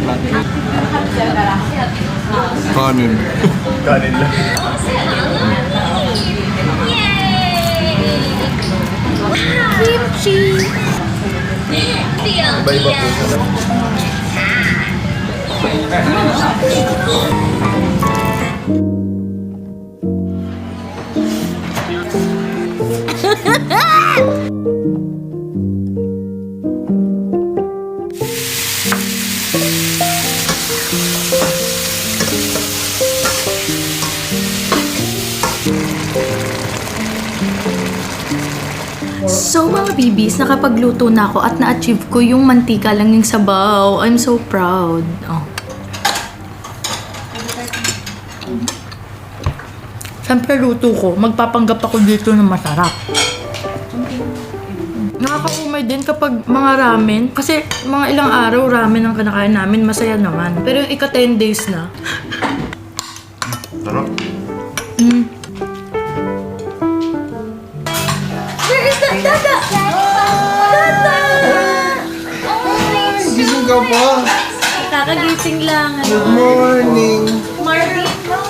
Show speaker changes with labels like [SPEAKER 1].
[SPEAKER 1] Kanin.
[SPEAKER 2] Kanin lang.
[SPEAKER 3] Kimchi!
[SPEAKER 2] Iba-iba po siya.
[SPEAKER 3] So mga bibis, nakapagluto na ako at na-achieve ko yung mantika lang yung sabaw. I'm so proud. Oh. Siyempre luto ko, magpapanggap ako dito na masarap. Nakakaumay din kapag mga ramen. Kasi mga ilang araw ramen ang kinakain namin, masaya naman. Pero yung ika 10 days na.
[SPEAKER 1] Sarap.
[SPEAKER 3] Where is that? Dada! Dada!
[SPEAKER 1] Gising ka pa.
[SPEAKER 3] Kakagising lang.
[SPEAKER 1] Good morning.
[SPEAKER 3] Marvin,